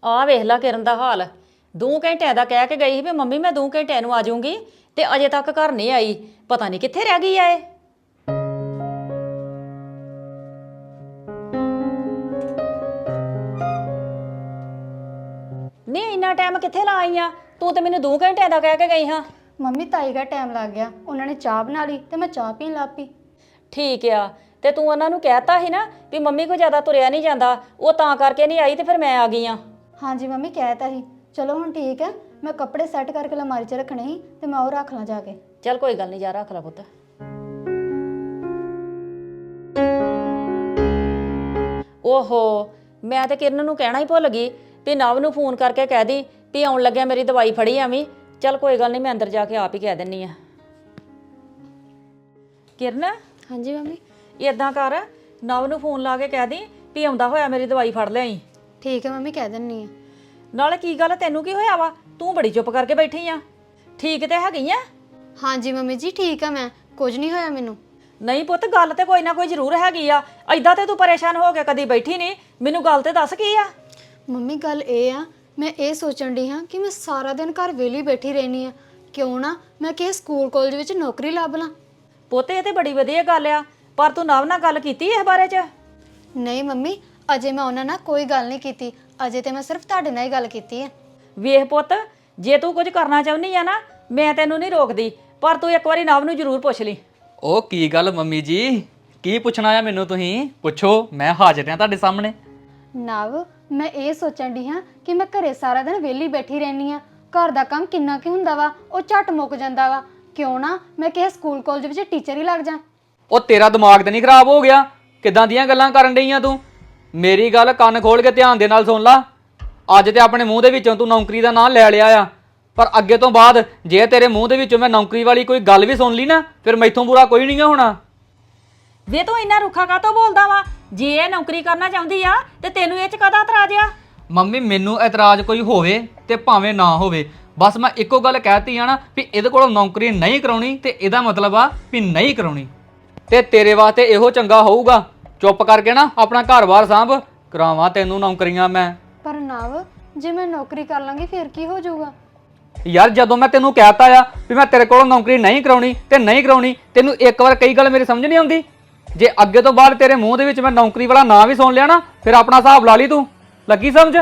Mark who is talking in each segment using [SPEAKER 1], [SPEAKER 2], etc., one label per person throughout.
[SPEAKER 1] ਆ ਵੇਖ ਲਾ ਕਿਰਨ ਦਾ ਹਾਲ। 2 ਘੰਟਿਆਂ ਦਾ ਕਹਿ ਕੇ ਗਈ ਸੀ ਵੀ ਮੰਮੀ ਮੈਂ 2 ਘੰਟਿਆਂ ਨੂੰ ਆ ਜਾਊਂਗੀ ਤੇ ਅਜੇ ਤੱਕ ਘਰ ਨਹੀਂ ਆਈ। ਪਤਾ ਨਹੀਂ ਕਿੱਥੇ ਰਹਿ ਗਈ ਆ ਇਹ। ਨਹੀਂ ਇੰਨਾ ਟਾਈਮ ਕਿੱਥੇ ਲਾ ਆਈ ਆ ਤੂੰ? ਤੇ ਮੈਨੂੰ 2 ਘੰਟਿਆਂ ਦਾ ਕਹਿ ਕੇ ਗਈ ਹਾਂ।
[SPEAKER 2] ਮੰਮੀ ਤਾਈ ਦਾ ਟਾਈਮ ਲੱਗ ਗਿਆ, ਉਹਨਾਂ ਨੇ ਚਾਹ ਬਣਾ ਲਈ ਤੇ ਮੈਂ ਚਾਹ ਪੀਣ ਲੱਗ ਪਈ।
[SPEAKER 1] ਠੀਕ ਆ, ਤੇ ਤੂੰ ਉਹਨਾਂ ਨੂੰ ਕਹਿਤਾ ਸੀ ਨਾ ਵੀ ਮੰਮੀ ਕੋ ਜ਼ਿਆਦਾ ਤੁਰਿਆ ਨਹੀਂ ਜਾਂਦਾ, ਉਹ ਤਾਂ ਕਰਕੇ ਨਹੀਂ ਆਈ ਤੇ ਫਿਰ ਮੈਂ ਆ ਗਈ ਆ।
[SPEAKER 2] ਹਾਂਜੀ ਮੰਮੀ ਕਹਿਤਾ ਸੀ। ਚਲੋ ਹੁਣ ਠੀਕ ਹੈ, ਮੈਂ ਕੱਪੜੇ ਸੈੱਟ ਕਰਕੇ ਅਲਮਾਰੀ 'ਚ ਰੱਖਣੇ ਸੀ ਤੇ ਮੈਂ ਉਹ ਰੱਖ ਲਾਂ ਜਾ ਕੇ।
[SPEAKER 1] ਚੱਲ ਕੋਈ ਗੱਲ ਨਹੀਂ, ਜਾ ਰੱਖ ਲੈ ਪੁੱਤ। ਓਹੋ, ਮੈਂ ਤੇ ਕਿਰਨ ਨੂੰ ਕਹਿਣਾ ਹੀ ਭੁੱਲ ਗਈ ਵੀ ਨਵ ਨੂੰ ਫੋਨ ਕਰਕੇ ਕਹਿ ਦੀ ਵੀ ਆਉਣ ਲੱਗਿਆ ਮੇਰੀ ਦਵਾਈ ਫੜੀ ਆਵੀਂ। ਚੱਲ ਕੋਈ ਗੱਲ ਨਹੀਂ, ਮੈਂ ਅੰਦਰ ਜਾ ਕੇ ਆਪ ਹੀ ਕਹਿ ਦਿੰਨੀ ਆ। ਕਿਰਨ,
[SPEAKER 2] ਹਾਂਜੀ ਮੰਮੀ।
[SPEAKER 1] ਏਦਾਂ ਕਰ, ਨਵ ਨੂੰ ਫੋਨ ਲਾ ਕੇ ਕਹਿ ਦੀ ਵੀ ਆਉਂਦਾ ਹੋਇਆ ਮੇਰੀ ਦਵਾਈ ਫੜ ਲਿਆਈ।
[SPEAKER 2] ਠੀਕ ਹੈ ਮੰਮੀ, ਕਹਿ ਦਿੰਨੀ ਆ।
[SPEAKER 1] ਨਾਲੇ ਕੀ ਗੱਲ, ਤੈਨੂੰ ਕੀ ਹੋਇਆ ਵਾ? ਤੂੰ ਬੜੀ ਚੁੱਪ ਕਰਕੇ ਬੈਠੀ ਆ। ਠੀਕ ਤੇ ਹੈਗੀ ਆ?
[SPEAKER 2] ਹਾਂਜੀ ਮੰਮੀ ਜੀ ਠੀਕ ਆ, ਮੈਂ ਕੁਝ ਨਹੀਂ ਹੋਇਆ ਮੈਨੂੰ।
[SPEAKER 1] ਨਹੀਂ ਪੁੱਤ, ਗੱਲ ਤੇ ਕੋਈ ਨਾ ਕੋਈ ਜ਼ਰੂਰ ਹੈਗੀ ਆ। ਐਦਾਂ ਤੇ ਤੂੰ ਪਰੇਸ਼ਾਨ ਹੋ ਕੇ ਕਦੀ ਬੈਠੀ ਨਹੀਂ। ਮੈਨੂੰ ਗੱਲ ਤੇ ਦੱਸ ਕੀ ਆ।
[SPEAKER 2] ਮੰਮੀ ਗੱਲ ਇਹ ਆ, ਮੈਂ ਇਹ ਸੋਚਣ ਡਈ ਹਾਂ ਕਿ ਮੈਂ ਸਾਰਾ ਦਿਨ ਘਰ ਵਿਹਲੀ ਬੈਠੀ ਰਹਿਣੀ ਆ, ਕਿਉਂ ਨਾ ਮੈਂ ਕਿਸੇ ਸਕੂਲ ਕਾਲਜ ਵਿੱਚ ਨੌਕਰੀ ਲੱਭ ਲਾਂ।
[SPEAKER 1] ਪੁੱਤ ਇਹ ਤੇ ਬੜੀ ਵਧੀਆ ਗੱਲ ਆ, ਪਰ ਤੂੰ ਨਵ ਨਾਲ ਗੱਲ ਕੀਤੀ ਇਸ ਬਾਰੇ 'ਚ?
[SPEAKER 2] ਨਹੀਂ ਮੰਮੀ, ਅਜੇ ਮੈਂ ਉਹਨਾਂ ਨਾਲ ਕੋਈ ਗੱਲ ਨਹੀਂ ਕੀਤੀ। ਅਜੇ ਤੇ ਮੈਂ ਸਿਰਫ ਤੁਹਾਡੇ ਨਾਲ ਹੀ ਗੱਲ ਕੀਤੀ ਹੈ।
[SPEAKER 1] ਵੇਖ ਪੁੱਤ, ਜੇ ਤੂੰ ਕੁਝ ਕਰਨਾ ਚਾਹੁੰਦੀ ਆ ਨਾ, ਮੈਂ ਤੈਨੂੰ ਨਹੀਂ ਰੋਕਦੀ, ਪਰ ਤੂੰ ਇੱਕ ਵਾਰੀ ਨਵ ਨੂੰ ਜ਼ਰੂਰ ਪੁੱਛ ਲਈ।
[SPEAKER 3] ਉਹ ਕੀ ਗੱਲ ਮੰਮੀ ਜੀ, ਕੀ ਪੁੱਛਣਾ ਆ ਮੈਨੂੰ? ਤੁਸੀਂ ਪੁੱਛੋ, ਮੈਂ ਹਾਜ਼ਰ ਹਾਂ ਤੁਹਾਡੇ ਸਾਹਮਣੇ।
[SPEAKER 2] ਨਵ, ਮੈਂ ਇਹ ਸੋਚਣ ਡਈ ਹਾਂ ਕਿ ਮੈਂ ਘਰੇ ਸਾਰਾ ਦਿਨ ਵਿਹਲੀ ਬੈਠੀ ਰਹਿਣੀ ਆ। ਘਰ ਦਾ ਕੰਮ ਕਿੰਨਾ ਕੀ ਹੁੰਦਾ ਵਾ, ਉਹ ਝੱਟ ਮੁੱਕ ਜਾਂਦਾ ਵਾ। ਕਿਉਂ ਨਾ ਮੈਂ ਕਿਸੇ ਸਕੂਲ ਕਾਲਜ ਵਿੱਚ ਟੀਚਰ ਹੀ ਲੱਗ ਜਾ।
[SPEAKER 3] ਉਹ ਤੇਰਾ ਦਿਮਾਗ ਤਾਂ ਨਹੀਂ ਖਰਾਬ ਹੋ ਗਿਆ? ਕਿੱਦਾਂ ਦੀਆਂ ਗੱਲਾਂ ਕਰਨ ਡਈਆਂ ਤੂੰ? ਮੇਰੀ ਗੱਲ ਕੰਨ ਖੋਲ ਕੇ ਧਿਆਨ ਦੇ ਨਾਲ ਸੁਣ ਲਾ। ਅੱਜ ਤੇ ਆਪਣੇ ਮੂੰਹ ਦੇ ਵਿੱਚੋਂ ਤੂੰ ਨੌਕਰੀ ਦਾ ਨਾਂ ਲੈ ਲਿਆ ਆ, ਪਰ ਅੱਗੇ ਤੋਂ ਬਾਅਦ ਜੇ ਤੇਰੇ ਮੂੰਹ ਦੇ ਵਿੱਚੋਂ ਮੈਂ ਨੌਕਰੀ ਵਾਲੀ ਕੋਈ ਗੱਲ ਵੀ ਸੁਣ ਲਈ ਨਾ, ਫਿਰ ਮੈਥੋਂ ਬੁਰਾ ਕੋਈ ਨਹੀਂ ਹੋਣਾ।
[SPEAKER 1] ਵੇ ਤੂੰ ਇੰਨਾ ਰੁੱਖਾ ਕਾਹਤੋਂ ਬੋਲਦਾ ਵਾ? ਜੇ ਇਹ ਨੌਕਰੀ ਕਰਨਾ ਚਾਹੁੰਦੀ ਆ ਤੇ ਤੈਨੂੰ ਇਹ 'ਚ ਕਾਹਦਾ ਇਤਰਾਜ਼ ਆ?
[SPEAKER 3] ਮੰਮੀ ਮੈਨੂੰ ਇਤਰਾਜ਼ ਕੋਈ ਹੋਵੇ ਤੇ ਭਾਵੇਂ ਨਾ ਹੋਵੇ, ਬਸ ਮੈਂ ਇੱਕੋ ਗੱਲ ਕਹਿਤੀ ਆ ਨਾ ਵੀ ਇਹਦੇ ਕੋਲੋਂ ਨੌਕਰੀ ਨਹੀਂ ਕਰਾਉਣੀ, ਤੇ ਇਹਦਾ ਮਤਲਬ ਆ ਵੀ ਨਹੀਂ ਕਰਾਉਣੀ। ਤੇ ਤੇਰੇ ਵਾਸਤੇ ਇਹੋ ਚੰਗਾ ਹੋਊਗਾ, ਚੁੱਪ ਕਰਕੇ ਨਾ ਆਪਣਾ ਘਰ-ਬਾਰ ਸਾਂਭ, ਕਰਾਵਾਂ ਤੈਨੂੰ ਨੌਕਰੀਆਂ ਮੈਂ।
[SPEAKER 2] ਪਰ ਨਵ, ਜੇ ਮੈਂ ਨੌਕਰੀ ਕਰ ਲਾਂਗੀ ਫਿਰ ਕੀ ਹੋ ਜਾਊਗਾ?
[SPEAKER 3] ਯਾਰ ਜਦੋਂ ਮੈਂ ਤੈਨੂੰ ਕਹਿਤਾ ਆ ਵੀ ਮੈਂ ਤੇਰੇ ਕੋਲੋਂ ਨੌਕਰੀ ਨਹੀਂ ਕਰਾਉਣੀ ਤੇ ਨਹੀਂ ਕਰਾਉਣੀ, ਤੈਨੂੰ ਇੱਕ ਵਾਰ ਕਈ ਗੱਲ ਮੇਰੀ ਸਮਝ ਨਹੀਂ ਆਉਂਦੀ? ਜੇ ਅੱਗੇ ਤੋਂ ਬਾਅਦ ਤੇਰੇ ਮੂੰਹ ਦੇ ਵਿੱਚ ਮੈਂ ਨੌਕਰੀ ਵਾਲਾ ਨਾਂ ਵੀ ਸੁਣ ਲਿਆ ਨਾ, ਫਿਰ ਆਪਣਾ ਹਿਸਾਬ ਲਾ ਲਈ। ਤੂੰ ਲੱਗੀ ਸਮਝ?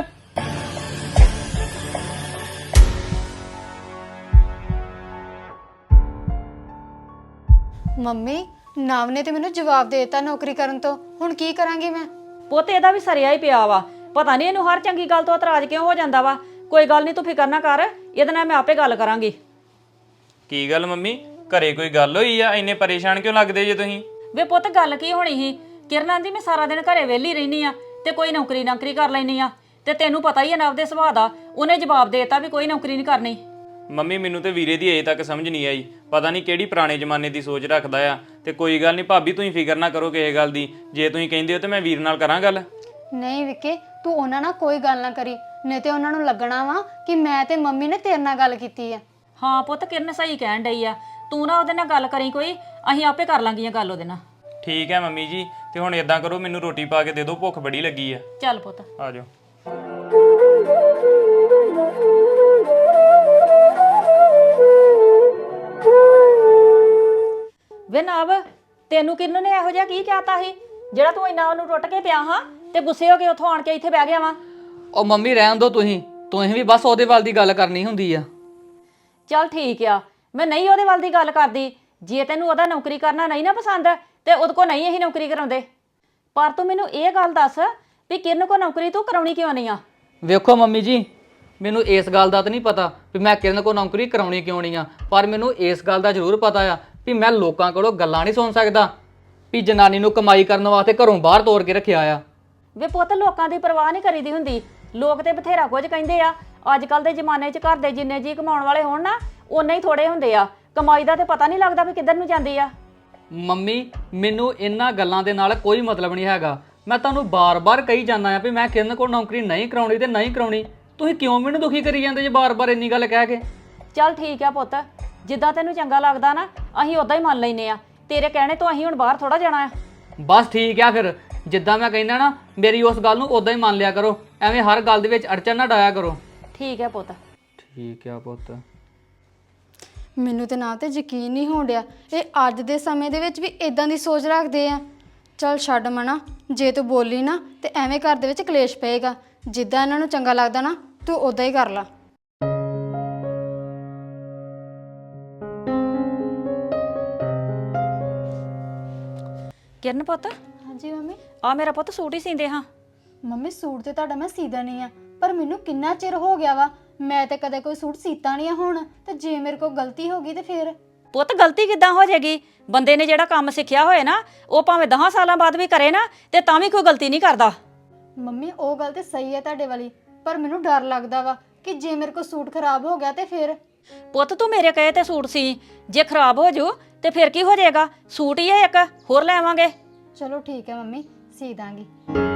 [SPEAKER 2] ਮੰਮੀ, ਨਵ ਨੇ ਤੇ ਮੈਨੂੰ ਜਵਾਬ ਦੇ ਦਿੱਤਾ ਨੌਕਰੀ ਕਰਨ ਤੋਂ। ਹੁਣ ਕੀ ਕਰਾਂਗੀ ਮੈਂ?
[SPEAKER 1] ਪੁੱਤ ਇਹਦਾ ਵੀ ਸਰਿਆ ਹੀ ਪਿਆ ਵਾ। ਪਤਾ ਨਹੀਂ ਇਹਨੂੰ ਹਰ ਚੰਗੀ ਗੱਲ ਤੋਂ ਇਤਰਾਜ਼ ਕਿਉਂ ਹੋ ਜਾਂਦਾ ਵਾ। ਕੋਈ ਗੱਲ ਨਹੀਂ, ਤੂੰ ਫਿਕਰ ਨਾ ਕਰ, ਇਹਦੇ ਨਾਲ ਮੈਂ ਆਪੇ ਗੱਲ ਕਰਾਂਗੀ।
[SPEAKER 4] ਕੀ ਗੱਲ ਮੰਮੀ, ਘਰੇ ਕੋਈ ਗੱਲ ਹੋਈ ਆ? ਇੰਨੇ ਪਰੇਸ਼ਾਨ ਕਿਉਂ ਲੱਗਦੇ ਜੇ ਤੁਸੀਂ?
[SPEAKER 1] ਵੇ ਪੁੱਤ ਗੱਲ ਕੀ ਹੋਣੀ ਸੀ? ਕਿਰਨਾਂ ਦੀ ਮੈਂ ਸਾਰਾ ਦਿਨ ਘਰੇ ਵਿਹਲੀ ਰਹਿਨੀ ਆ ਤੇ ਕੋਈ ਨੌਕਰੀ ਕਰ ਲੈਣੀ ਆ, ਤੇ ਤੈਨੂੰ ਪਤਾ ਹੀ ਆ ਨਵ ਦੇ ਸੁਭਾਅ ਦਾ। ਉਹਨੇ ਜਵਾਬ ਦੇ ਦਿੱਤਾ ਵੀ ਕੋਈ ਨੌਕਰੀ ਨਹੀਂ ਕਰਨੀ।
[SPEAKER 4] ਮੰਮੀ ਮੈਨੂੰ ਤੇ ਵੀਰੇ ਦੀ ਅਜੇ ਤੱਕ ਸਮਝ ਨਹੀਂ ਆਈ, ਪਤਾ ਨਹੀਂ ਕਿਹੜੀ ਪੁਰਾਣੇ ਜ਼ਮਾਨੇ ਦੀ ਸੋਚ ਰੱਖਦਾ ਆ। ਤੇ ਕੋਈ ਗੱਲ ਨਹੀਂ ਭਾਬੀ, ਤੁਸੀਂ ਫਿਕਰ ਨਾ ਕਰੋ ਕਿਸੇ ਗੱਲ ਦੀ। ਜੇ ਤੁਸੀਂ ਕਹਿੰਦੇ ਹੋ ਤੇ ਮੈਂ ਵੀਰ ਨਾਲ ਕਰਾਂ ਗੱਲ।
[SPEAKER 2] ਨਹੀਂ ਵਿਕੇ, ਤੂੰ ਉਹਨਾਂ ਨਾਲ ਕੋਈ ਗੱਲ ਨਾ ਕਰੀ, ਨਹੀਂ ਤੇ ਉਹਨਾਂ ਨੂੰ ਲੱਗਣਾ ਵਾ ਕਿ ਮੈਂ ਤੇ ਮੰਮੀ ਨੇ ਤੇਰੇ ਨਾਲ ਗੱਲ ਕੀਤੀ ਆ।
[SPEAKER 1] ਹਾਂ ਪੁੱਤ, ਕਿਰਨ ਸਹੀ ਕਹਿਣ ਡਈ ਆ। ਤੂੰ ਨਾ ਉਹਦੇ ਨਾਲ ਗੱਲ ਕਰੀ ਕੋਈ, ਅਸੀਂ ਆਪੇ ਕਰ ਲਾਂਗੀਆਂ ਗੱਲ ਉਹਦੇ ਨਾਲ।
[SPEAKER 4] ਠੀਕ ਹੈ ਮੰਮੀ ਜੀ, ਤੇ ਹੁਣ ਇਦਾਂ ਕਰੋ, ਮੈਨੂੰ ਰੋਟੀ ਪਾ ਕੇ ਦੇ ਦਿਓ, ਭੁੱਖ ਬੜੀ ਲੱਗੀ ਆ।
[SPEAKER 1] ਚੱਲ ਪੁੱਤ
[SPEAKER 4] ਆ ਜਾਓ।
[SPEAKER 1] ਵੇ ਨਵ, ਤੈਨੂੰ ਕਿਰਨ ਨੇ ਇਹੋ ਜਿਹਾ ਕੀ ਕਹਿਤਾ ਸੀ ਜਿਹੜਾ ਤੂੰ ਇੰਨਾ ਉਹਨੂੰ ਟੁੱਟ ਕੇ ਪਿਆ ਹਾਂ ਤੇ ਗੁੱਸੇ ਹੋ ਕੇ ਉੱਥੋਂ ਆਣ ਕੇ ਇੱਥੇ ਬਹਿ ਗਿਆ ਵਾ?
[SPEAKER 3] ਉਹ ਮੰਮੀ ਰਹਿਣ ਦੋ, ਤੁਸੀਂ ਵੀ ਬਸ ਉਹਦੇ ਵੱਲ ਦੀ ਗੱਲ ਕਰਨੀ ਹੁੰਦੀ ਆ।
[SPEAKER 1] ਚੱਲ ਠੀਕ ਆ, ਮੈਂ ਨਹੀਂ ਉਹਦੇ ਵੱਲ ਦੀ ਗੱਲ ਕਰਦੀ। ਜੇ ਤੈਨੂੰ ਉਹਦਾ ਨੌਕਰੀ ਕਰਨਾ ਨਹੀਂ ਨਾ ਪਸੰਦ ਤੇ ਉਹਦੇ ਕੋ ਨਹੀਂ ਅਸੀਂ ਨੌਕਰੀ ਕਰਾਉਂਦੇ। ਪਰ ਤੂੰ ਮੈਨੂੰ ਇਹ ਗੱਲ ਦੱਸ ਵੀ ਕਿਰਨ ਕੋ ਨੌਕਰੀ ਤੂੰ ਕਰਾਉਣੀ ਕਿਉਂ ਨਹੀਂ ਆ?
[SPEAKER 3] ਵੇਖੋ ਮੰਮੀ ਜੀ, ਮੈਨੂੰ ਇਸ ਗੱਲ ਦਾ ਤਾਂ ਨਹੀਂ ਪਤਾ ਵੀ ਮੈਂ ਕਿਰਨ ਕੋਲ ਨੌਕਰੀ ਕਰਾਉਣੀ ਕਿਉਂ ਨਹੀਂ ਆ, ਪਰ ਮੈਨੂੰ ਇਸ ਗੱਲ ਦਾ ਜ਼ਰੂਰ ਪਤਾ ਆ ਵੀ ਮੈਂ ਲੋਕਾਂ ਕੋਲੋਂ ਗੱਲਾਂ ਨਹੀਂ ਸੁਣ ਸਕਦਾ ਵੀ ਜਨਾਨੀ ਨੂੰ ਕਮਾਈ ਕਰਨ ਵਾਸਤੇ ਘਰੋਂ ਬਾਹਰ ਤੋਰ ਕੇ ਰੱਖਿਆ ਆ।
[SPEAKER 1] ਵੇ ਪੁੱਤ, ਲੋਕਾਂ ਦੀ ਪਰਵਾਹ ਨਹੀਂ ਕਰੀਦੀ ਹੁੰਦੀ। ਲੋਕ ਤੇ ਬਥੇਰਾ ਕੁਝ ਕਹਿੰਦੇ ਆ। ਅੱਜ ਕੱਲ ਦੇ ਜ਼ਮਾਨੇ 'ਚ ਘਰ ਦੇ ਜਿੰਨੇ ਜੀ ਕਮਾਉਣ ਵਾਲੇ ਹੋਣ ਨਾ, ਓਨੇ ਹੀ ਥੋੜੇ ਹੁੰਦੇ ਆ। ਕਮਾਈ ਦਾ ਤੇ ਪਤਾ ਨਹੀਂ ਲੱਗਦਾ ਵੀ ਕਿੱਧਰ ਨੂੰ ਜਾਂਦੀ ਆ।
[SPEAKER 3] ਮੰਮੀ, ਮੈਨੂੰ ਇਹਨਾਂ ਗੱਲਾਂ ਦੇ ਨਾਲ ਕੋਈ ਮਤਲਬ ਨਹੀਂ ਹੈਗਾ। ਮੈਂ ਤੁਹਾਨੂੰ ਬਾਰ-ਬਾਰ ਕਹੀ ਜਾਂਦਾ ਆ ਵੀ ਮੈਂ ਕਿਰਨ ਕੋਲ ਨੌਕਰੀ ਨਹੀਂ ਕਰਾਉਣੀ ਤੇ ਨਹੀਂ ਕਰਾਉਣੀ। ਤੁਸੀਂ ਕਿਉਂ ਮੈਨੂੰ ਦੁਖੀ ਕਰੀ ਜਾਂਦੇ ਜੇ ਬਾਰ-ਬਾਰ ਇੰਨੀ ਗੱਲ ਕਹਿ ਕੇ?
[SPEAKER 1] ਚੱਲ ਠੀਕ ਆ ਪੁੱਤ, ਜਿੱਦਾਂ ਤੈਨੂੰ ਚੰਗਾ ਲੱਗਦਾ ਨਾ ਅਸੀਂ ਉਦਾਂ ਹੀ ਮੰਨ ਲੈਨੇ ਆ। ਤੇਰੇ ਕਹਿਣੇ ਤੋਂ ਅਸੀਂ ਹੁਣ ਬਾਹਰ ਥੋੜਾ ਜਾਣਾ ਆ।
[SPEAKER 3] ਬਸ ਠੀਕ ਆ, ਫਿਰ ਜਿੱਦਾਂ ਮੈਂ ਕਹਿੰਦਾ ਨਾ ਮੇਰੀ ਉਸ ਗੱਲ ਨੂੰ ਉਦਾਂ ਹੀ ਮੰਨ ਲਿਆ ਕਰੋ, ਐਵੇਂ ਹਰ ਗੱਲ ਦੇ ਵਿੱਚ ਅੜਚਨ ਨਾ ਡਾਇਆ ਕਰੋ।
[SPEAKER 1] ਠੀਕ ਹੈ ਪੁੱਤ।
[SPEAKER 3] ਠੀਕ ਆ ਪੁੱਤ।
[SPEAKER 2] ਮੈਨੂੰ ਤੇ ਨਾ ਤੇ ਯਕੀਨ ਨਹੀਂ ਹੋਣ ਡਿਆ ਇਹ ਅੱਜ ਦੇ ਸਮੇਂ ਦੇ ਵਿੱਚ ਵੀ ਇਦਾਂ ਦੀ ਸੋਚ ਰੱਖਦੇ ਆ। ਚਲ ਛੱਡ ਮਨਾ, ਜੇ ਤੂੰ ਬੋਲੀ ਨਾ ਤੇ ਐਵੇਂ ਘਰ ਦੇ ਵਿੱਚ ਕਲੇਸ਼ ਪਏਗਾ। ਜਿੱਦਾਂ ਇਹਨਾਂ ਨੂੰ ਚੰਗਾ ਲੱਗਦਾ ਨਾ ਤੂੰ ਉਦਾਂ ਹੀ ਕਰ ਲਾ।
[SPEAKER 1] ਕਿਰਨ ਪੁੱਤ,
[SPEAKER 2] ਹਾਂਜੀ ਮੰਮੀ।
[SPEAKER 1] ਆ ਮੇਰਾ ਪੁੱਤ ਸੂਟ ਹੀ ਸੀਂਦੇ ਹਾਂ।
[SPEAKER 2] ਮੰਮੀ ਸੂਟ ਤੇ ਤੁਹਾਡਾ ਮੈਂ ਸੀਦਾ ਨਹੀਂ ਆ, ਪਰ ਮੈਨੂੰ ਕਿੰਨਾ ਚਿਰ ਹੋ ਗਿਆ ਵਾ, ਮੈਂ ਤੇ ਕਦੇ ਕੋਈ ਸੂਟ ਸੀਤਾ ਨਹੀਂ ਆ। ਹੁਣ ਤੇ ਜੇ ਮੇਰੇ ਕੋਲ ਗਲਤੀ ਹੋ ਗਈ ਤੇ ਫਿਰ
[SPEAKER 1] ਪੁੱਤ ਗਲਤੀ ਕਿੱਦਾਂ ਹੋ ਜਾਏਗੀ? ਬੰਦੇ ਨੇ ਜਿਹੜਾ ਕੰਮ ਸਿੱਖਿਆ ਹੋਏ ਨਾ ਉਹ ਭਾਵੇਂ 10 ਸਾਲਾਂ ਬਾਅਦ ਵੀ ਕਰੇ ਨਾ ਤੇ ਤਾਂ ਵੀ ਕੋਈ ਗਲਤੀ ਨਹੀਂ ਕਰਦਾ।
[SPEAKER 2] ਮੰਮੀ ਉਹ ਗੱਲ ਤੇ ਸਹੀ ਹੈ ਤੁਹਾਡੇ ਵਾਲੀ, ਪਰ ਮੈਨੂੰ ਡਰ ਲੱਗਦਾ ਵਾ ਕਿ ਜੇ ਮੇਰੇ ਕੋਲ ਸੂਟ ਖਰਾਬ ਹੋ ਗਿਆ ਤੇ ਫਿਰ।
[SPEAKER 1] ਪੁੱਤ ਤੂੰ ਮੇਰੇ ਕਹੇ ਤੇ ਸੂਟ ਸੀ, ਜੇ ਖਰਾਬ ਹੋ ਜਾਊ ਤੇ ਫਿਰ ਕੀ ਹੋ ਜਾਏਗਾ? ਸੂਟ ਹੀ ਹੈ ਇੱਕ, ਹੋਰ ਲੈ ਆਵਾਂਗੇ।
[SPEAKER 2] ਚਲੋ ਠੀਕ ਹੈ ਮੰਮੀ, ਸੀ ਦਾਂਗੀ।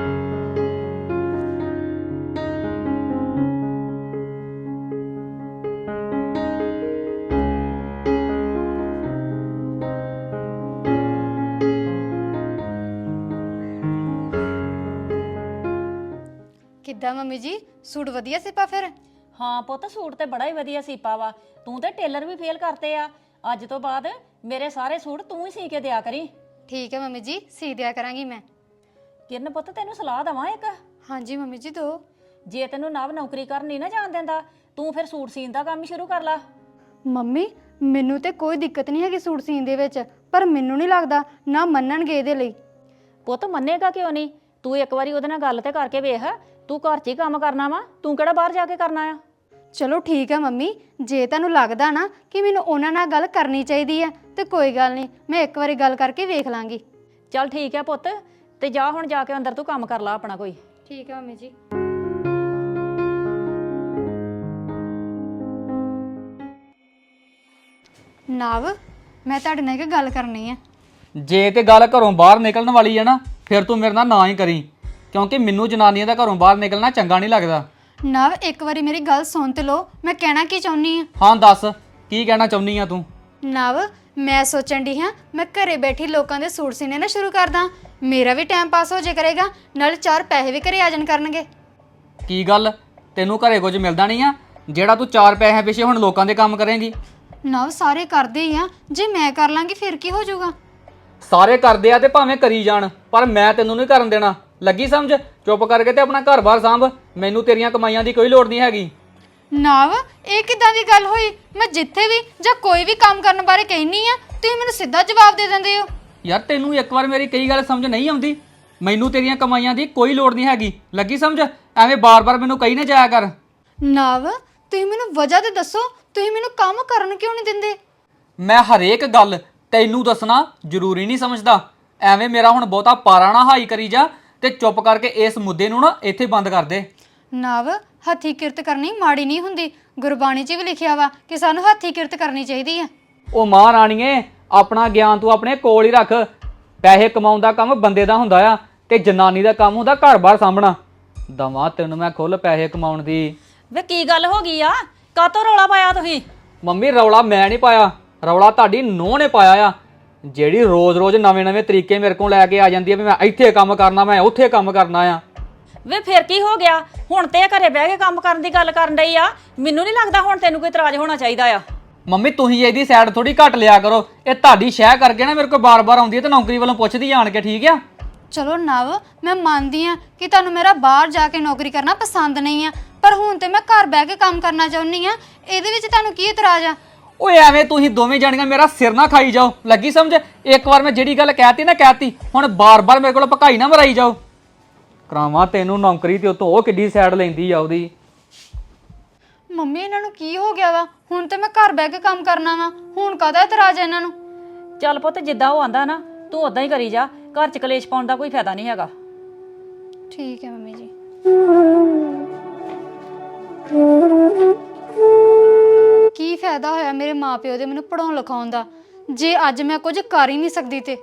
[SPEAKER 2] ਕਿੱਦਾਂ ਮੰਮੀ ਜੀ, ਸੂਟ ਵਧੀਆ ਸਿਪਾ ਫਿਰ?
[SPEAKER 1] ਹਾਂ ਪੁੱਤ ਸੂਟ ਤੇ ਬੜਾ ਹੀ ਵਧੀਆ ਸੀਪਾ ਵਾ। ਤੂੰ ਤੇ ਟੇਲਰ ਵੀ ਫੇਲ ਕਰਤੇ ਆ। ਅੱਜ ਤੋਂ ਬਾਅਦ ਮੇਰੇ ਸਾਰੇ ਸੂਟ ਤੂੰ ਹੀ ਸੀ ਕੇ ਦਿਆ ਕਰੀ।
[SPEAKER 2] ਠੀਕ ਹੈ ਮੰਮੀ ਜੀ, ਸੀ ਦਿਆ ਕਰਾਂਗੀ ਮੈਂ।
[SPEAKER 1] ਕਿਰਨ ਪੁੱਤ ਤੈਨੂੰ ਸਲਾਹ ਦਵਾਂ ਇੱਕ।
[SPEAKER 2] ਹਾਂਜੀ ਮੰਮੀ ਜੀ ਦੋ।
[SPEAKER 1] ਜੇ ਤੈਨੂੰ ਨਵ ਨੌਕਰੀ ਕਰਨ ਨਹੀਂ ਨਾ ਜਾਣ ਦਿੰਦਾ, ਤੂੰ ਫਿਰ ਸੂਟ ਸੀਨ ਦਾ ਕੰਮ ਹੀ ਸ਼ੁਰੂ ਕਰ ਲਾ।
[SPEAKER 2] ਮੰਮੀ ਮੈਨੂੰ ਤੇ ਕੋਈ ਦਿੱਕਤ ਨਹੀਂ ਹੈਗੀ ਸੂਟ ਸੀਨ ਦੇ ਵਿੱਚ, ਪਰ ਮੈਨੂੰ ਨਹੀਂ ਲੱਗਦਾ ਨਾ ਮੰਨਣਗੇ ਇਹਦੇ ਲਈ।
[SPEAKER 1] ਪੁੱਤ ਮੰਨੇਗਾ ਕਿਉਂ ਨਹੀਂ? ਤੂੰ ਇੱਕ ਵਾਰੀ ਉਹਦੇ ਨਾਲ ਗੱਲ ਤੇ ਕਰਕੇ ਵੇਖ। ਤੂੰ ਘਰ 'ਚ ਹੀ ਕੰਮ ਕਰਨਾ ਵਾ, ਤੂੰ ਕਿਹੜਾ ਬਾਹਰ ਜਾ ਕੇ ਕਰਨਾ ਆ?
[SPEAKER 2] ਚਲੋ ਠੀਕ ਹੈ ਮੰਮੀ, ਜੇ ਤੁਹਾਨੂੰ ਲੱਗਦਾ ਨਾ ਕਿ ਮੈਨੂੰ ਉਹਨਾਂ ਨਾਲ ਗੱਲ ਕਰਨੀ ਚਾਹੀਦੀ ਆ ਤੇ ਕੋਈ ਗੱਲ ਨਹੀਂ, ਮੈਂ ਇੱਕ ਵਾਰੀ ਗੱਲ ਕਰਕੇ ਵੇਖ ਲਾਂਗੀ।
[SPEAKER 1] ਚੱਲ ਠੀਕ ਹੈ ਪੁੱਤ, ਤੇ ਜਾ ਹੁਣ ਜਾ ਕੇ ਅੰਦਰ ਤੂੰ ਕੰਮ ਕਰ ਲਾ ਆਪਣਾ ਕੋਈ।
[SPEAKER 2] ਠੀਕ ਹੈ ਮੰਮੀ ਜੀ। ਨਵ, ਮੈਂ ਤੁਹਾਡੇ ਨਾਲ ਇੱਕ ਗੱਲ ਕਰਨੀ ਆ।
[SPEAKER 3] ਜੇ ਤੇ ਗੱਲ ਘਰੋਂ ਬਾਹਰ ਨਿਕਲਣ ਵਾਲੀ ਹੈ ਨਾ ਫਿਰ ਤੂੰ ਮੇਰੇ ਨਾਲ ਨਾ ਹੀ ਕਰੀ, ਕਿਉਂਕਿ ਮੈਨੂੰ ਜਨਾਨੀਆਂ ਦਾ ਘਰੋਂ ਬਾਹਰ ਨਿਕਲਣਾ ਚੰਗਾ ਨਹੀਂ ਲੱਗਦਾ।
[SPEAKER 2] ਨਵ ਇੱਕ ਵਾਰੀ ਮੇਰੀ ਗੱਲ ਸੁਣ ਤੇ ਲਓ, ਮੈਂ ਕਹਿਣਾ ਕੀ ਚਾਹੁੰਦੀ ਆ।
[SPEAKER 3] ਹਾਂ ਦੱਸ, ਕੀ ਕਹਿਣਾ ਚਾਹੁੰਦੀ ਆ ਤੂੰ?
[SPEAKER 2] ਨਵ, ਮੈਂ ਸੋਚਣ ਦੀ ਹਾਂ ਮੈਂ ਘਰੇ ਬੈਠੀ ਲੋਕਾਂ ਦੇ ਸੂਟ ਸੀਨੇ ਨਾ ਸ਼ੁਰੂ ਕਰਦਾ। ਮੇਰਾ ਵੀ ਟਾਈਮ ਪਾਸ ਹੋ ਜੇ ਕਰੇਗਾ, ਨਾਲ 4 ਪੈਸੇ ਵੀ ਘਰੇ ਆ ਜਾਣ ਕਰਨਗੇ।
[SPEAKER 3] ਕੀ ਗੱਲ, ਤੈਨੂੰ ਘਰੇ ਕੁਝ ਮਿਲਦਾ ਨਹੀਂ ਆ ਜਿਹੜਾ ਤੂੰ 4 ਪੈਸੇ ਪਿੱਛੇ ਹੁਣ ਲੋਕਾਂ ਦੇ ਕੰਮ ਕਰੇਂਗੀ?
[SPEAKER 2] ਨਵ ਸਾਰੇ ਕਰਦੇ ਹੀ ਆ, ਜੇ ਮੈਂ ਕਰ ਲਾਂਗੀ ਫਿਰ ਕੀ ਹੋ ਜਾਊਗਾ?
[SPEAKER 3] ਸਾਰੇ ਕਰਦੇ ਆ ਤੇ ਭਾਵੇਂ ਕਰੀ ਜਾਣ, ਪਰ ਮੈਂ ਤੈਨੂੰ ਨਹੀਂ ਕਰਨ ਦੇਣਾ। ਲੱਗੀ ਸਮਝ? ਚੁੱਪ ਕਰਕੇ ਤੇ ਆਪਣਾ ਘਰ-ਬਾਰ ਸਾਂਭ, ਮੈਨੂੰ ਤੇਰੀਆਂ ਕਮਾਈਆਂ ਦੀ ਕੋਈ ਲੋੜ ਨਹੀਂ ਹੈਗੀ।
[SPEAKER 2] ਨਵ, ਇਹ ਕਿੱਦਾਂ ਦੀ ਗੱਲ ਹੋਈ? ਮੈਂ ਜਿੱਥੇ ਵੀ ਜਾਂ ਕੋਈ ਵੀ ਕੰਮ ਕਰਨ ਬਾਰੇ ਕਹਿਨੀ ਆ, ਤੁਸੀਂ ਮੈਨੂੰ ਸਿੱਧਾ ਜਵਾਬ ਦੇ ਦਿੰਦੇ ਹੋ।
[SPEAKER 3] ਯਾਰ ਤੈਨੂੰ ਇੱਕ ਵਾਰ ਮੇਰੀ ਕਈ ਗੱਲ ਸਮਝ ਨਹੀਂ ਆਉਂਦੀ? ਮੈਨੂੰ ਤੇਰੀਆਂ ਕਮਾਈਆਂ ਦੀ ਕੋਈ ਲੋੜ ਨਹੀਂ ਹੈਗੀ, ਲੱਗੀ ਸਮਝ? ਐਵੇਂ ਬਾਰ-ਬਾਰ ਮੈਨੂੰ ਕਹੀ ਨਾ ਜਾਇਆ ਕਰ।
[SPEAKER 2] ਨਵ, ਤੁਸੀਂ ਮੈਨੂੰ ਵਜ੍ਹਾ ਤੇ ਦੱਸੋ, ਤੁਸੀਂ ਮੈਨੂੰ ਕੰਮ ਕਰਨ ਕਿਉਂ ਨਹੀਂ ਦਿੰਦੇ?
[SPEAKER 3] ਮੈਂ ਹਰੇਕ ਗੱਲ ਤੈਨੂੰ ਦੱਸਣਾ ਜ਼ਰੂਰੀ ਨਹੀਂ ਸਮਝਦਾ। ਐਵੇਂ ਮੇਰਾ ਹੁਣ ਬਹੁਤਾ ਪਾਰਾ ਨਾ ਹਾਈ ਕਰੀ ਜਾ ਤੇ ਚੁੱਪ ਕਰਕੇ ਇਸ ਮੁੱਦੇ ਨੂੰ ਨਾ ਇੱਥੇ ਬੰਦ ਕਰ ਦੇ।
[SPEAKER 2] ਨਵ, ਹੱਥੀਂ ਕਿਰਤ ਕਰਨੀ ਮਾੜੀ ਨਹੀਂ ਹੁੰਦੀ, ਗੁਰਬਾਣੀ 'ਚ ਵੀ ਲਿਖਿਆ ਵਾ ਕਿ ਸਾਨੂੰ ਹੱਥੀਂ ਕਿਰਤ ਕਰਨੀ ਚਾਹੀਦੀ ਆ।
[SPEAKER 3] ਉਹ ਮਾਂ ਰਾਣੀਏ, ਆਪਣਾ ਗਿਆਨ ਤੂੰ ਆਪਣੇ ਕੋਲ ਹੀ ਰੱਖ। ਪੈਸੇ ਕਮਾਉਣ ਦਾ ਕੰਮ ਬੰਦੇ ਦਾ ਹੁੰਦਾ ਆ ਤੇ ਜਨਾਨੀ ਦਾ ਕੰਮ ਹੁੰਦਾ ਘਰ-ਬਾਰ ਸਾਂਭਣਾ। ਦਵਾ ਤੈਨੂੰ ਮੈਂ ਖੁੱਲ ਪੈਸੇ ਕਮਾਉਣ ਦੀ।
[SPEAKER 1] ਵੇ ਕੀ ਗੱਲ ਹੋ ਗਈ ਆ? ਕਾਤੋਂ ਰੌਲਾ ਪਾਇਆ ਤੁਸੀਂ?
[SPEAKER 3] ਮੰਮੀ ਰੌਲਾ ਮੈਂ ਨਹੀਂ ਪਾਇਆ, ਰੌਲਾ ਤੁਹਾਡੀ ਨੂੰਹ ਨੇ ਪਾਇਆ ਆ, ਜਿਹੜੀ ਰੋਜ਼-ਰੋਜ਼ ਨਵੇਂ-ਨਵੇਂ ਤਰੀਕੇ ਮੇਰੇ ਕੋਲ ਲੈ ਕੇ ਆ ਜਾਂਦੀ ਆ ਵੀ ਮੈਂ ਇੱਥੇ ਕੰਮ ਕਰਨਾ, ਮੈਂ ਉੱਥੇ ਕੰਮ ਕਰਨਾ ਆ।
[SPEAKER 1] ਵੇ ਫਿਰ ਕੀ ਹੋ ਗਿਆ? ਹੁਣ ਤੇ ਇਹ ਘਰੇ ਬਹਿ ਕੇ ਕੰਮ ਕਰਨ ਦੀ ਗੱਲ ਕਰਨ ਡਈ ਆ। ਮੈਨੂੰ ਨਹੀਂ ਲੱਗਦਾ ਹੁਣ ਤੈਨੂੰ ਕੋਈ ਇਤਰਾਜ਼ ਹੋਣਾ ਚਾਹੀਦਾ ਆ।
[SPEAKER 3] ਮੰਮੀ ਤੁਸੀਂ ਇਹਦੀ ਸਾਈਡ ਥੋੜੀ ਘੱਟ ਲਿਆ ਕਰੋ। ਇਹ ਤੁਹਾਡੀ ਸ਼ਹਿ ਕਰਕੇ ਨਾ ਮੇਰੇ ਕੋਲ ਬਾਰ-ਬਾਰ ਆਉਂਦੀ ਹੈ ਤੇ ਨੌਕਰੀ ਵੱਲੋਂ ਪੁੱਛਦੀ ਆਣ ਕੇ, ਠੀਕ ਆ?
[SPEAKER 2] ਚਲੋ ਨਵ, ਮੈਂ ਮੰਨਦੀ ਆ ਕਿ ਤੁਹਾਨੂੰ ਮੇਰਾ ਬਾਹਰ ਜਾ ਕੇ ਨੌਕਰੀ ਕਰਨਾ ਪਸੰਦ ਨਹੀਂ ਆ, ਪਰ ਹੁਣ ਤੇ ਮੈਂ ਘਰ ਬਹਿ ਕੇ ਕੰਮ ਕਰਨਾ ਚਾਹੁੰਦੀ ਆ। ਇਹਦੇ ਵਿੱਚ ਤੁਹਾਨੂੰ ਕੀ ਇਤਰਾਜ਼ ਆ?
[SPEAKER 3] ਓਏ ਐਵੇਂ ਤੁਸੀਂ ਦੋਵੇਂ ਜਾਣੀਆਂ ਮੇਰਾ ਸਿਰ ਨਾ ਖਾਈ ਜਾਓ, ਲੱਗੀ ਸਮਝ? ਇੱਕ ਵਾਰ ਮੈਂ ਜਿਹੜੀ ਗੱਲ ਕਹਿਤੀ ਨਾ ਕਹਿਤੀ, ਹੁਣ ਬਾਰ-ਬਾਰ ਮੇਰੇ ਕੋਲ ਭਕਾਈ ਨਾ ਮਰਾਈ ਜਾਓ। ਕਰਾਵਾਂ ਤੈਨੂੰ ਨੌਕਰੀ ਤੇ ਉਹ ਕਿੱਡੀ ਸਾਈਡ ਲੈਂਦੀ ਆ ਉਹਦੀ।
[SPEAKER 2] ਮੰਮੀ ਇਹਨਾਂ ਨੂੰ ਕੀ ਹੋ ਗਿਆ ਵਾ? ਹੁਣ ਤੇ ਮੈਂ ਘਰ ਬਹਿ ਕੇ ਕੰਮ ਕਰਨਾ ਵਾ, ਹੁਣ ਕਾਹਦਾ ਇਤਰਾਜ਼ ਆ ਇਹਨਾਂ ਨੂੰ?
[SPEAKER 1] ਚੱਲ ਪੁੱਤ ਜਿੱਦਾਂ ਉਹ ਆਂਦਾ ਨਾ ਤੂੰ ਉਦਾਂ ਹੀ ਕਰੀ ਜਾ, ਘਰ 'ਚ ਕਲੇਸ਼ ਪਾਉਣ ਦਾ ਕੋਈ ਫਾਇਦਾ ਨਹੀਂ ਹੈਗਾ।
[SPEAKER 2] ਠੀਕ ਹੈ ਮੰਮੀ ਜੀ। ਕੀ ਫਾਇਦਾ ਹੋਇਆ ਮੇਰੇ ਮਾਪਿਓ ਦੇ ਮੈਨੂੰ ਪੜਾਉਣ ਲਿਖਾਉਣ ਦਾ, ਜੇ ਅੱਜ ਮੈਂ ਕੁਝ ਕਰ ਹੀ ਨਹੀਂ ਸਕਦੀ ਤੇ।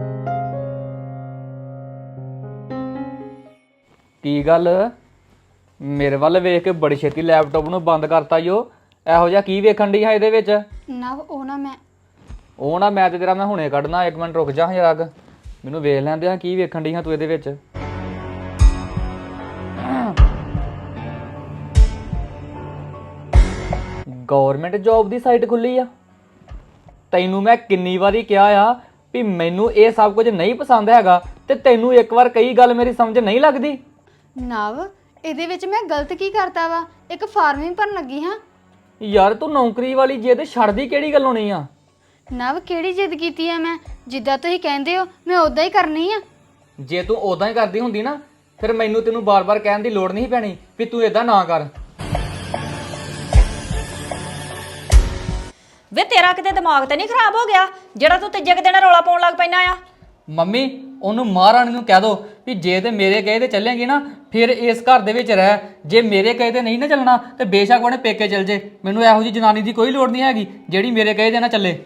[SPEAKER 3] ਕੀ ਗੱਲ, ਮੇਰੇ ਵੱਲ ਵੇਖ ਕੇ ਬੜੀ ਛੇਤੀ ਲੈਪਟਾਪ ਨੂੰ ਬੰਦ ਕਰਤਾ ਈ ਉਹ। ਇਹੋ ਜਿਹਾ ਕੀ ਵੇਖਣ ਡਈ ਆ ਇਹਦੇ ਵਿੱਚ?
[SPEAKER 2] ਨਵ
[SPEAKER 3] ਉਹ ਨਾ ਮੈਂ ਤੇ ਤੇਰਾ ਮੈਂ ਹੁਣੇ ਕੱਢਣਾ। 1 ਮਿੰਟ ਰੁਕ ਜਾ ਜਰਾ ਕੁ, ਮੈਨੂੰ ਵੇਖ ਲੈਂਦੇ ਆ ਕੀ ਵੇਖਣ ਡਈ ਆ ਤੂੰ ਇਹਦੇ ਵਿੱਚ। ਗਵਰਨਮੈਂਟ ਜੌਬ ਦੀ ਸਾਈਟ ਖੁੱਲੀ ਆ। ਤੈਨੂੰ ਮੈਂ ਕਿੰਨੀ ਵਾਰੀ ਕਿਹਾ ਆ ਵੀ ਮੈਨੂੰ ਇਹ ਸਭ ਕੁਝ ਨਹੀਂ ਪਸੰਦ ਹੈਗਾ, ਤੇ ਤੈਨੂੰ ਇੱਕ ਵਾਰ ਕਈ ਗੱਲ ਮੇਰੀ ਸਮਝ ਨਹੀਂ ਲੱਗਦੀ।
[SPEAKER 2] ਨਵ ਇਹਦੇ ਵਿੱਚ ਮੈਂ ਗਲਤ ਕੀ ਕਰਤਾ ਵਾ? ਇੱਕ ਫਾਰਮ ਹੀ ਭਰਨ ਲੱਗੀ ਹਾਂ।
[SPEAKER 3] ਯਾਰ ਤੂੰ ਨੌਕਰੀ ਵਾਲੀ ਜਿੱਦ ਛੱਡਦੀ ਕਿਹੜੀ ਗੱਲੋਂ ਨਹੀਂ ਆ?
[SPEAKER 2] ਨਵ ਕਿਹੜੀ ਜਿੱਦ ਕੀਤੀ ਆ ਮੈਂ? ਜਿੱਦਾਂ ਤੁਸੀਂ ਕਹਿੰਦੇ ਹੋ ਮੈਂ ਉਦਾਂ ਹੀ ਕਰਨੀ ਆ।
[SPEAKER 3] ਜੇ ਤੂੰ ਉਦਾਂ ਹੀ ਕਰਦੀ ਹੁੰਦੀ ਨਾ, ਫਿਰ ਮੈਨੂੰ ਤੈਨੂੰ ਬਾਰ-ਬਾਰ ਕਹਿਣ ਦੀ ਲੋੜ ਨਹੀਂ ਪੈਣੀ ਵੀ ਤੂੰ ਇਦਾਂ ਨਾ ਕਰ।
[SPEAKER 1] ਵੇ ਤੇਰਾ ਕਿਤੇ ਦਿਮਾਗ ਤੇ ਨਹੀਂ ਖਰਾਬ ਹੋ ਗਿਆ ਜਿਹੜਾ ਤੂੰ ਤੀਜੇ ਕੁ ਦਿਨ ਰੌਲਾ ਪਾਉਣ ਲੱਗ ਪੈਣਾ ਆ?
[SPEAKER 3] ਮੰਮੀ ਉਹਨੂੰ ਮਹਾਰਾਣੀ ਨੂੰ ਕਹਿ ਦੋ ਵੀ ਜੇ ਤੇ ਮੇਰੇ ਕਹੇ ਤੇ ਚੱਲੇਗੀ ਨਾ ਫਿਰ ਇਸ ਘਰ ਦੇ ਵਿੱਚ ਰਹਿ, ਜੇ ਮੇਰੇ ਕਹੇ ਤੇ ਨਹੀਂ ਨਾ ਚੱਲਣਾ ਤੇ ਬੇਸ਼ੱਕ ਉਹਨੇ ਪੇਕੇ ਚੱਲ ਜੇ। ਮੈਨੂੰ ਇਹੋ ਜਿਹੀ ਜਨਾਨੀ ਦੀ ਕੋਈ ਲੋੜ ਨਹੀਂ ਹੈਗੀ ਜਿਹੜੀ ਮੇਰੇ ਕਹੇ ਤੇ ਨਾ ਚੱਲੇ।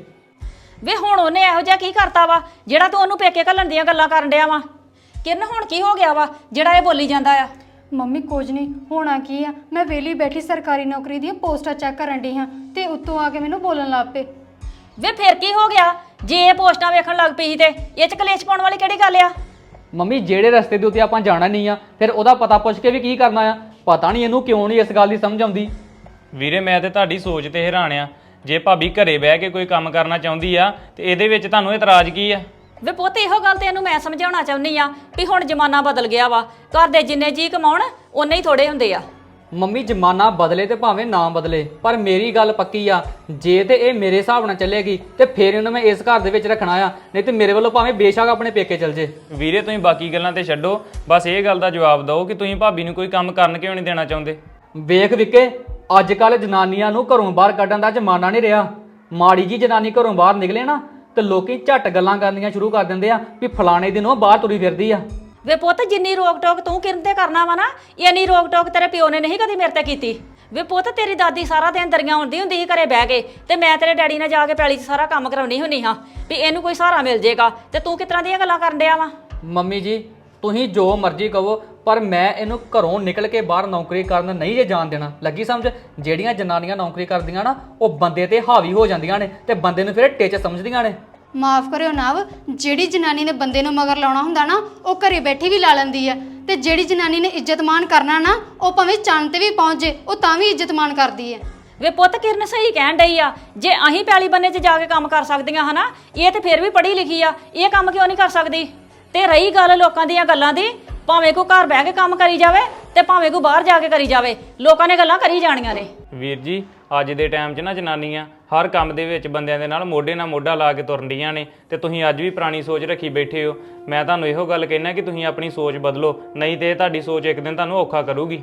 [SPEAKER 1] ਵੇ ਹੁਣ ਉਹਨੇ ਇਹੋ ਜਿਹਾ ਕੀ ਕਰਤਾ ਵਾ ਜਿਹੜਾ ਤੂੰ ਉਹਨੂੰ ਪੇਕੇ ਘੱਲਣ ਦੀਆਂ ਗੱਲਾਂ ਕਰਨ ਡਿਆ ਵਾ? ਕਿਰਨ ਹੁਣ ਕੀ ਹੋ ਗਿਆ ਵਾ ਜਿਹੜਾ ਇਹ ਬੋਲੀ ਜਾਂਦਾ ਆ?
[SPEAKER 2] ਮੰਮੀ ਕੁਝ ਨਹੀਂ ਹੋਣਾ ਕੀ ਆ, ਮੈਂ ਵਿਹਲੀ ਬੈਠੀ ਸਰਕਾਰੀ ਨੌਕਰੀ ਦੀਆਂ ਪੋਸਟਾਂ ਚੈੱਕ ਕਰਨ ਡਈ ਹਾਂ ਤੇ ਉੱਤੋਂ ਆ ਕੇ ਮੈਨੂੰ ਬੋਲਣ ਲੱਗ ਪਏ।
[SPEAKER 1] ਵੇ ਫਿਰ ਕੀ ਹੋ ਗਿਆ ਜੇ ਇਹ ਪੋਸਟਾਂ ਵੇਖਣ ਲੱਗ ਪਈ ਸੀ ਤੇ ਇਹ ਚ ਕਲੇਸ਼ ਪਾਉਣ ਵਾਲੀ ਕਿਹੜੀ ਗੱਲ ਆ?
[SPEAKER 3] ਮੰਮੀ ਜਿਹੜੇ ਰਸਤੇ ਦੇ ਉੱਤੇ ਆਪਾਂ ਜਾਣਾ ਨਹੀਂ ਆ ਫਿਰ ਉਹਦਾ ਪਤਾ ਪੁੱਛ ਕੇ ਵੀ ਕੀ ਕਰਨਾ ਆ? ਪਤਾ ਨਹੀਂ ਇਹਨੂੰ ਕਿਉਂ ਨਹੀਂ ਇਸ ਗੱਲ ਦੀ ਸਮਝ ਆਉਂਦੀ।
[SPEAKER 4] ਵੀਰੇ ਮੈਂ ਤੇ ਤੁਹਾਡੀ ਸੋਚ ਤੇ ਹੈਰਾਨ ਆ। ਜੇ ਭਾਬੀ ਘਰੇ ਬਹਿ ਕੇ ਕੋਈ ਕੰਮ ਕਰਨਾ ਚਾਹੁੰਦੀ ਆ ਤੇ ਇਹਦੇ ਵਿੱਚ ਤੁਹਾਨੂੰ ਇਤਰਾਜ਼ ਕੀ ਆ?
[SPEAKER 1] ਵੇ ਪੁੱਤ ਇਹੋ ਗੱਲ ਤੇ ਇਹਨੂੰ ਮੈਂ ਸਮਝਾਉਣਾ ਚਾਹੁੰਦੀ ਆ ਵੀ ਹੁਣ ਜ਼ਮਾਨਾ ਬਦਲ ਗਿਆ ਵਾ। ਘਰ ਦੇ ਜਿੰਨੇ ਜੀ ਕਮਾਉਣ ਉਨੇ ਹੀ ਥੋੜੇ ਹੁੰਦੇ ਆ।
[SPEAKER 3] ਮੰਮੀ ਜ਼ਮਾਨਾ ਬਦਲੇ ਤੇ ਭਾਵੇਂ ਨਾ ਬਦਲੇ, ਪਰ ਮੇਰੀ ਗੱਲ ਪੱਕੀ ਆ, ਜੇ ਤੇ ਇਹ ਮੇਰੇ ਹਿਸਾਬ ਨਾਲ ਚੱਲੇਗੀ ਤੇ ਫਿਰ ਇਹਨੂੰ ਮੈਂ ਇਸ ਘਰ ਦੇ ਵਿੱਚ ਰੱਖਣਾ ਆ, ਨਹੀਂ ਤੇ ਮੇਰੇ ਵੱਲੋਂ ਭਾਵੇਂ ਬੇਸ਼ੱਕ ਆਪਣੇ ਪੇਕੇ ਚੱਲ ਜੇ।
[SPEAKER 4] ਵੀਰੇ ਤੁਸੀਂ ਬਾਕੀ ਗੱਲਾਂ ਤੇ ਛੱਡੋ, ਬਸ ਇਹ ਗੱਲ ਦਾ ਜਵਾਬ ਦਿਓ ਕਿ ਤੁਸੀਂ ਭਾਬੀ ਨੂੰ ਕੋਈ ਕੰਮ ਕਰਨ ਕਿਉਂ ਨਹੀਂ ਦੇਣਾ ਚਾਹੁੰਦੇ?
[SPEAKER 3] ਵੇਖ ਵਿਕੇ, ਅੱਜ ਕੱਲ ਜਨਾਨੀਆਂ ਨੂੰ ਘਰੋਂ ਬਾਹਰ ਕੱਢਣ ਦਾ ਜ਼ਮਾਨਾ ਨਹੀਂ ਰਿਹਾ। ਮਾੜੀ ਜੀ ਜਨਾਨੀ ਘਰੋਂ ਬਾਹਰ ਨਿਕਲੇ ਨਾ ਤੇ ਲੋਕੀ ਝੱਟ ਗੱਲਾਂ ਕਰਨੀਆਂ ਸ਼ੁਰੂ ਕਰ ਦਿੰਦੇ ਆ ਵੀ ਫਲਾਣੇ ਦਿਨ ਉਹ ਬਾਹਰ ਤੁਰੀ ਫਿਰਦੀ ਆ।
[SPEAKER 1] ਵੇ ਪੁੱਤ ਜਿੰਨੀ ਰੋਕ ਟੋਕ ਤੂੰ ਕਿਰਨ ਤੇ ਕਰਨਾ ਵਾ ਨਾ, ਇੰਨੀ ਰੋਕ ਟੋਕ ਤੇਰੇ ਪਿਓ ਨੇ ਨਹੀਂ ਕਦੀ ਮੇਰੇ ਤੇ ਕੀਤੀ। ਵੇ ਪੁੱਤ ਤੇਰੀ ਦਾਦੀ ਸਾਰਾ ਦਿਨ ਦਰੀਆਂ ਹੁੰਦੀ ਹੁੰਦੀ ਸੀ ਘਰੇ ਬਹਿ ਕੇ, ਤੇ ਮੈਂ ਤੇਰੇ ਡੈਡੀ ਨਾਲ ਜਾ ਕੇ ਪੈਲੀ 'ਚ ਸਾਰਾ ਕੰਮ ਕਰਾਉਣੀ ਹੁੰਨੀ ਹਾਂ ਵੀ ਇਹਨੂੰ ਕੋਈ ਸਹਾਰਾ ਮਿਲ ਜੇਗਾ, ਤੇ ਤੂੰ ਕਿਸ ਤਰ੍ਹਾਂ ਦੀਆਂ ਗੱਲਾਂ ਕਰਨ ਡਿਆ ਵਾ?
[SPEAKER 3] ਮੰਮੀ ਜੀ ਤੁਸੀਂ ਜੋ ਮਰਜ਼ੀ ਕਹੋ, ਪਰ ਮੈਂ ਇਹਨੂੰ ਘਰੋਂ ਨਿਕਲ ਕੇ ਬਾਹਰ ਨੌਕਰੀ ਕਰਨ ਨਹੀਂ ਜੇ ਜਾਣ ਦੇਣਾ। ਲੱਗੀ ਸਮਝ? ਜਿਹੜੀਆਂ ਜਨਾਨੀਆਂ ਨੌਕਰੀ ਕਰਦੀਆਂ ਨਾ ਉਹ ਬੰਦੇ ਤੇ ਹਾਵੀ ਹੋ ਜਾਂਦੀਆਂ ਨੇ ਤੇ ਬੰਦੇ ਨੂੰ ਫਿਰ ਟਿੱਚ ਸਮਝਦੀਆਂ ਨੇ।
[SPEAKER 2] ਮਾਫ ਕਰਿਓ ਨਵ, ਜਿਹੜੀ ਜਨਾਨੀ ਨੇ ਬੰਦੇ ਨੂੰ ਮਗਰ ਲਾਉਣਾ ਹੁੰਦਾ ਨਾ ਉਹ ਘਰੇ ਬੈਠੀ ਵੀ ਲਾ ਲੈਂਦੀ ਆ, ਤੇ ਜਿਹੜੀ ਜਨਾਨੀ ਨੇ ਇੱਜ਼ਤ ਮਾਣ ਕਰਨਾ ਨਾ ਉਹ ਭਾਵੇਂ ਚੰਨ ਤੇ ਵੀ ਪਹੁੰਚ ਜੇ ਉਹ ਤਾਂ ਵੀ ਇੱਜ਼ਤ ਮਾਣ ਕਰਦੀ ਹੈ।
[SPEAKER 1] ਵੇ ਪੁੱਤ ਕਿਰਨ ਸਹੀ ਕਹਿਣ ਡਈ ਆ, ਜੇ ਅਸੀਂ ਪੈਲੀ ਬੰਨੇ 'ਚ ਜਾ ਕੇ ਕੰਮ ਕਰ ਸਕਦੀਆਂ ਹਨਾ, ਇਹ ਤੇ ਫਿਰ ਵੀ ਪੜ੍ਹੀ ਲਿਖੀ ਆ, ਇਹ ਕੰਮ ਕਿਉਂ ਨਹੀਂ ਕਰ ਸਕਦੀ? ਤੇ ਰਹੀ ਗੱਲ ਲੋਕਾਂ ਦੀਆਂ ਗੱਲਾਂ ਦੀ, ਭਾਵੇਂ ਕੋਈ ਘਰ ਬਹਿ ਕੇ ਕੰਮ ਕਰੀ ਜਾਵੇ ਤੇ ਭਾਵੇਂ ਕੋਈ ਬਾਹਰ ਜਾ ਕੇ ਕਰੀ ਜਾਵੇ, ਲੋਕਾਂ ਨੇ ਗੱਲਾਂ ਕਰੀ ਜਾਣੀਆਂ ਨੇ।
[SPEAKER 4] ਵੀਰ ਜੀ ਅੱਜ ਦੇ ਟਾਈਮ 'ਚ ਨਾ ਜਨਾਨੀਆਂ ਹਰ ਕੰਮ ਦੇ ਵਿੱਚ ਬੰਦਿਆਂ ਦੇ ਨਾਲ ਮੋਢੇ ਨਾਲ ਮੋਢਾ ਲਾ ਕੇ ਤੁਰਨ ਡੀਆਂ ਨੇ, ਤੇ ਤੁਸੀਂ ਅੱਜ ਵੀ ਪੁਰਾਣੀ ਸੋਚ ਰੱਖੀ ਬੈਠੇ ਹੋ। ਮੈਂ ਤੁਹਾਨੂੰ ਇਹੋ ਗੱਲ ਕਹਿਣਾ ਕਿ ਤੁਸੀਂ ਆਪਣੀ ਸੋਚ ਬਦਲੋ, ਨਹੀਂ ਤੇ ਤੁਹਾਡੀ ਸੋਚ ਇੱਕ ਦਿਨ ਤੁਹਾਨੂੰ ਔਖਾ ਕਰੂਗੀ।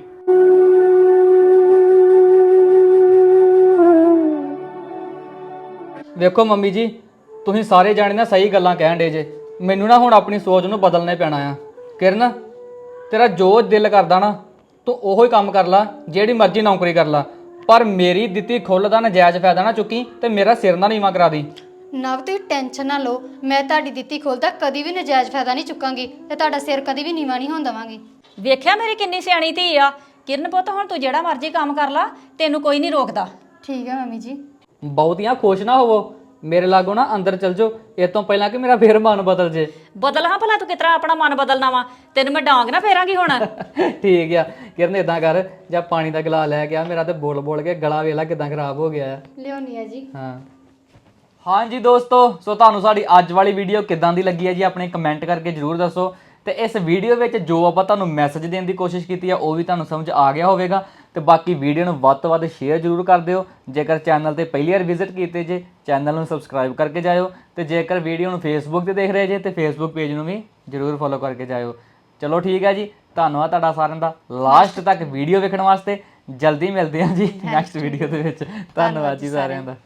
[SPEAKER 3] ਵੇਖੋ ਮੰਮੀ ਜੀ, ਤੁਸੀਂ ਸਾਰੇ ਜਾਣੇ ਨਾ ਸਹੀ ਗੱਲਾਂ ਕਹਿਣ ਡੇ ਜੇ, ਮੈਨੂੰ ਨਾ ਹੁਣ ਆਪਣੀ ਸੋਚ ਨੂੰ ਬਦਲਣਾ ਪੈਣਾ ਆ। ਕਿਰਨ ਤੇਰਾ ਜੋ ਦਿਲ ਕਰਦਾ ਨਾ ਤੂੰ ਉਹੋ ਹੀ ਕੰਮ ਕਰ ਲਾ, ਜਿਹੜੀ ਮਰਜ਼ੀ ਨੌਕਰੀ ਕਰ ਲਾ, ਪਰ ਮੇਰੀ ਦਿੱਤੀ ਖੁੱਲ ਦਾ ਨਜਾਇਜ਼ ਫਾਇਦਾ ਨਾ ਚੁੱਕੀ ਤੇ ਮੇਰਾ ਸਿਰ ਨਾ ਨੀਵਾਂ ਕਰਾ ਦੀ।
[SPEAKER 2] ਨਵ ਤੁਸੀਂ ਟੈਨਸ਼ਨ ਨਾ ਲਓ, ਮੈਂ ਤੁਹਾਡੀ ਦਿੱਤੀ ਖੁੱਲ ਦਾ ਕਦੀ ਵੀ ਨਜਾਇਜ਼ ਫਾਇਦਾ ਨਹੀਂ ਚੁੱਕਾਂਗੀ ਤੇ ਤੁਹਾਡਾ ਸਿਰ ਕਦੀ ਵੀ ਨੀਵਾਂ ਨਹੀਂ ਹੋਣ ਦੇਵਾਂਗੀ।
[SPEAKER 1] ਵੇਖਿਆ ਮੇਰੀ ਕਿੰਨੀ ਸਿਆਣੀ ਧੀ ਆ? ਕਿਰਨ ਪੁੱਤ ਹੁਣ ਤੂੰ ਜਿਹੜਾ ਮਰਜ਼ੀ ਕੰਮ ਕਰ ਲਾ, ਤੈਨੂੰ ਕੋਈ ਨਹੀਂ ਰੋਕਦਾ।
[SPEAKER 2] ਠੀਕ ਹੈ ਮੰਮੀ ਜੀ।
[SPEAKER 3] ਬਹੁਤੀਆਂ ਖੁਸ਼ ਨਾ ਹੋਵੋ, ਮੇਰੇ ਲਾਗੋਂ ਨਾ ਅੰਦਰ ਚਲ ਜਾਓ ਇਹ ਤੋਂ ਪਹਿਲਾਂ ਕਿ ਮੇਰਾ ਫੇਰ ਮਨ ਬਦਲ ਜੇ।
[SPEAKER 1] ਬਦਲ ਹਾਂ ਭਲਾ, ਤੂੰ ਕਿਸ ਤਰ੍ਹਾਂ ਆਪਣਾ ਮਨ ਬਦਲਣਾ ਵਾ? ਤੈਨੂੰ ਮੈਂ ਡਾਂਗ ਨਾ ਫੇਰਾਂਗੀ ਹੁਣ।
[SPEAKER 3] ਠੀਕ ਆ ਕਿਰਨ, ਇਦਾਂ ਕਰ ਜਾਂ ਪਾਣੀ ਦਾ ਗਲਾਸ ਲੈ ਗਿਆ, ਮੇਰਾ ਤੇ ਬੋਲ ਬੋਲ ਕੇ ਗਲਾ ਵੇਲਾ ਕਿਦਾਂ ਖਰਾਬ ਹੋ ਗਿਆ ਆ।
[SPEAKER 2] ਲਿਆਉਣੀ ਆ ਜੀ।
[SPEAKER 3] ਹਾਂਜੀ ਦੋਸਤੋ, ਸੋ ਤੁਹਾਨੂੰ ਸਾਡੀ ਅੱਜ ਵਾਲੀ ਵੀਡੀਓ ਕਿਦਾਂ ਦੀ ਲੱਗੀ ਹੈ ਜੀ ਆਪਣੇ ਕਮੈਂਟ ਕਰਕੇ ਜਰੂਰ ਦੱਸੋ। ਤੇ ਇਸ ਵੀਡੀਓ ਵਿੱਚ ਜੋ ਆਪਾਂ ਤੁਹਾਨੂੰ ਮੈਸੇਜ ਦੇਣ ਦੀ ਕੋਸ਼ਿਸ਼ ਕੀਤੀ ਆ ਉਹ ਵੀ ਤੁਹਾਨੂੰ ਸਮਝ ਆ ਗਿਆ ਹੋਵੇਗਾ। ਤੇ ਬਾਕੀ ਵੀਡੀਓ ਨੂੰ ਵੱਧ ਤੋਂ ਵੱਧ ਸ਼ੇਅਰ ਜਰੂਰ ਕਰ ਦਿਓ। ਜੇਕਰ ਚੈਨਲ ਤੇ ਪਹਿਲੀ ਵਾਰ ਵਿਜ਼ਿਟ ਕੀਤੇ ਜੇ, ਚੈਨਲ ਨੂੰ ਸਬਸਕ੍ਰਾਈਬ ਕਰਕੇ ਜਾਇਓ। ਤੇ ਜੇਕਰ ਵੀਡੀਓ ਨੂੰ ਫੇਸਬੁੱਕ ਤੇ ਦੇਖ ਰਹੇ ਜੇ ਤੇ ਫੇਸਬੁੱਕ ਪੇਜ ਨੂੰ ਵੀ ਜਰੂਰ ਫੋਲੋ ਕਰਕੇ ਜਾਇਓ। ਚਲੋ ਠੀਕ ਹੈ ਜੀ, ਧੰਨਵਾਦ ਤੁਹਾਡਾ ਸਾਰਿਆਂ ਦਾ ਲਾਸਟ ਤੱਕ ਵੀਡੀਓ ਵੇਖਣ ਵਾਸਤੇ। ਜਲਦੀ ਮਿਲਦੇ ਹਾਂ ਜੀ ਨੈਕਸਟ ਵੀਡੀਓ ਦੇ ਵਿੱਚ। ਧੰਨਵਾਦ ਜੀ ਸਾਰਿਆਂ ਦਾ।